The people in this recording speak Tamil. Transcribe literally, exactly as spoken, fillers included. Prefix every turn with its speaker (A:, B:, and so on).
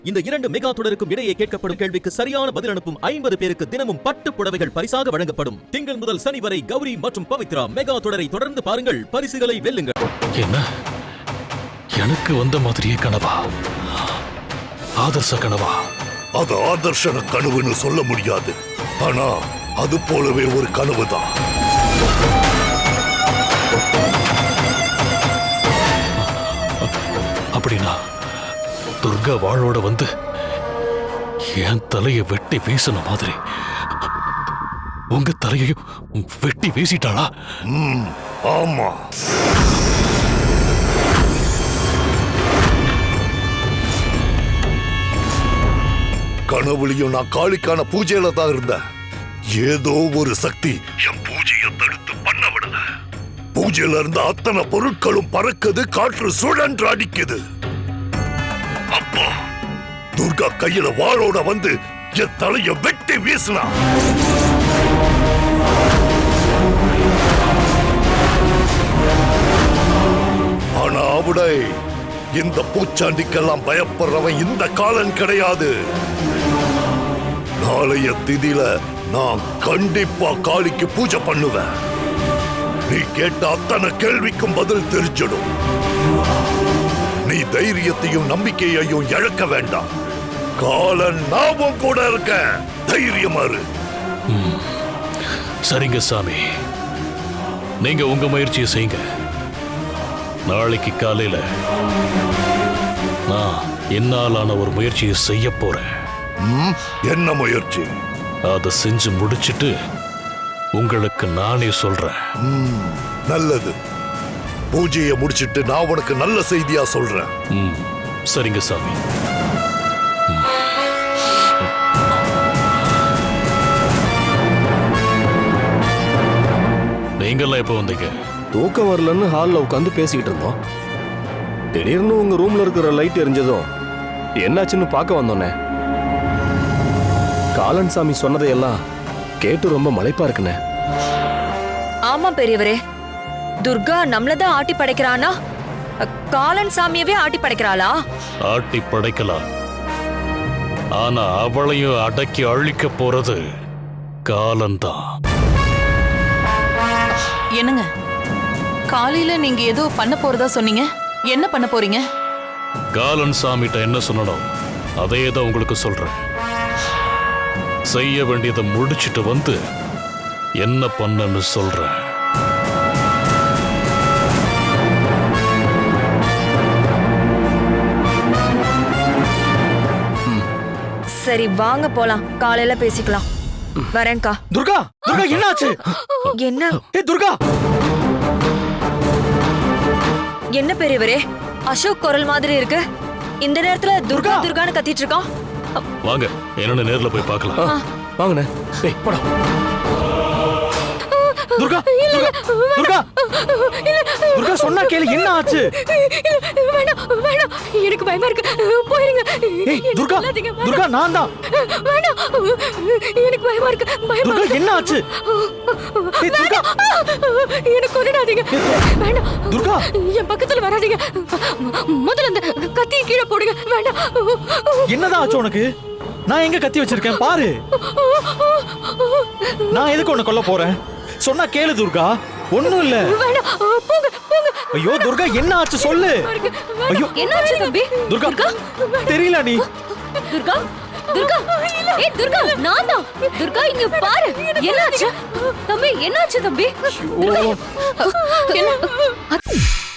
A: இந்த இரண்டு மெகா தொடருக்கும் இடையே கேட்கப்படும் கேள்விக்கு சரியான பதில் அனுப்பும் ஐம்பது பேருக்கு தினமும் பட்டு புடவைகள் பரிசாக வழங்கப்படும். திங்கள் முதல் சனி வரை கௌரி மற்றும் பவித்ரா மெகா தொடரை தொடர்ந்து பாருங்கள், பரிசுகளை வெல்லுங்கள்.
B: என்ன எனக்கு வந்த மாதிரியே கனவா? ஆதர்ஷ கனவா?
C: அது ஆதர்ஷன கனவுன்னு சொல்ல முடியாது, ஆனா அது போலவே ஒரு கனவுதான்.
B: அப்படின்னா துர்கா வாளோட வந்து என் தலையை வெட்டி வீசின மாதிரி உங்க தலையையும் வெட்டி வீசிட்டாளா?
C: ஆமா. கனவுலையும் நான் காளிக்கான பூஜையில தான் இருந்தேன். ஏதோ ஒரு சக்தி என் பூஜையை தடுத்து பண்ண விடல. பூஜையில இருந்த அத்தனை பொருட்களும் பறக்குது, காற்று சுழன்று அடிக்குது. அப்பா துர்கா கையில வாளோட வந்து என் தலைய வெட்டி வீசினா. ஆனா அவடை இந்த பூச்சாண்டிக்கெல்லாம் பயப்படுறவன் இந்த காலன் கிடையாது. நாளைய திதியில நான் கண்டிப்பா காளிக்கு பூஜை பண்ணுவேன். நீ கேட்ட அத்தனை கேள்விக்கும் பதில் தெரிஞ்சிடும். நீ தைரியத்தையும் நம்பிக்கையையும் இழக்க வேண்டாம். காலன் நாமும் கூட இருக்க, தைரியமா இரு.
B: சரிங்க சாமி, நீங்க உங்க முயற்சியை செய்யுங்க. நாளைக்கு காலையில நான் என்னாலான ஒரு முயற்சியை செய்ய போறேன்.
C: என்ன முயற்சி?
B: அதை செஞ்சு முடிச்சிட்டு உங்களுக்கு நானே சொல்றேன்.
C: நல்லது. பூஜையை முடிச்சிட்டு நான் உனக்கு நல்ல செய்தியா சொல்றேன்.
B: சரிங்க சாமி. நீங்கெல்லாம் எப்ப வந்தீங்க?
D: தூக்கம் வரலன்னு ஹால்ல உட்காந்து பேசிக்கிட்டு இருந்தோம். திடீர்னு உங்க ரூம்ல இருக்கிற லைட் எரிஞ்சதும் என்னாச்சுன்னு பார்க்க வந்தோன்னே. காலன் சாமி சொன்னதையெல்லாம் கேட்டு ரொம்ப மலைப்பா இருக்குண்ணே.
E: ஆமா பெரியவரே, துர்கா நம்மளதான் ஆட்டி படைக்கிறானா? காலன் சாமியவே ஆட்டி படைக்கிறாளா?
B: ஆட்டி படைக்கலாம், ஆனா அவளையும் அடக்கி அழிக்க போறது காலன்தான்.
F: என்னங்க, காலையில நீங்க ஏதோ பண்ண போறதா சொன்னீங்க, என்ன பண்ண போறீங்க?
B: காலன் சாமிட்ட என்ன சொன்னோம் அதே தான் உங்களுக்கு சொல்றேன். செய்ய வேண்டியதை முடிச்சிட்டு வந்து என்ன பண்ணன்னு சொல்றேன்.
E: சரி வாங்க போலாம், காலையில பேசிக்கலாம். வரேன்க்கா.
D: துர்கா, துர்கா என்னாச்சு?
E: என்ன?
D: ஏ துர்கா!
E: என்ன பெரியவரே, அசோக் குரல் மாதிரி இருக்கு. இந்த நேரத்துல துர்கா துர்கான்னு கத்திட்டு இருக்கான்.
B: வாங்க, என்னன்னு நேர்ல போய் பார்க்கலாம்.
D: வாங்கண்ணே. டேய் போடா. துர்கா, துர்கா, துர்கா சொன்னா கேளு, என்ன ஆச்சு?
E: வேணாம் வேணாம், எனக்கு பயமா இருக்கு, போயிருங்க.
D: ஏய் துர்கா, துர்கா நான் தான்.
E: வேணாம், எனக்கு பயமா இருக்கு.
D: துர்கா என்ன ஆச்சு? ஏய் துர்கா,
E: எனக்கு கொன்னுடாதீங்க. வேணாம்
D: துர்கா,
E: என் பக்கத்துல வராதீங்க. முதல்ல அந்த கத்தியை கீழே போடுங்க. வேண்டாம்.
D: என்னதான் ஆச்சு உனக்கு? நான் எங்க கத்தி வச்சிருக்கேன் பாரு. நான் எதுக்கு உன்னை கொல்ல போறேன்? சொன்னா கேளு துர்கா, ஒண்ணும் இல்ல. ஐயோ துர்கா என்ன ஆச்சு சொல்லு. ஐயோ
E: என்ன ஆச்சு தம்பி?
D: துர்கா தெரியல நீ.
E: துர்கா, துர்கா, ஏய் துர்கா நான் தான். துர்கா இங்க பாரு, என்னாச்சு தம்பி? என்னாச்சு தம்பி? என்ன?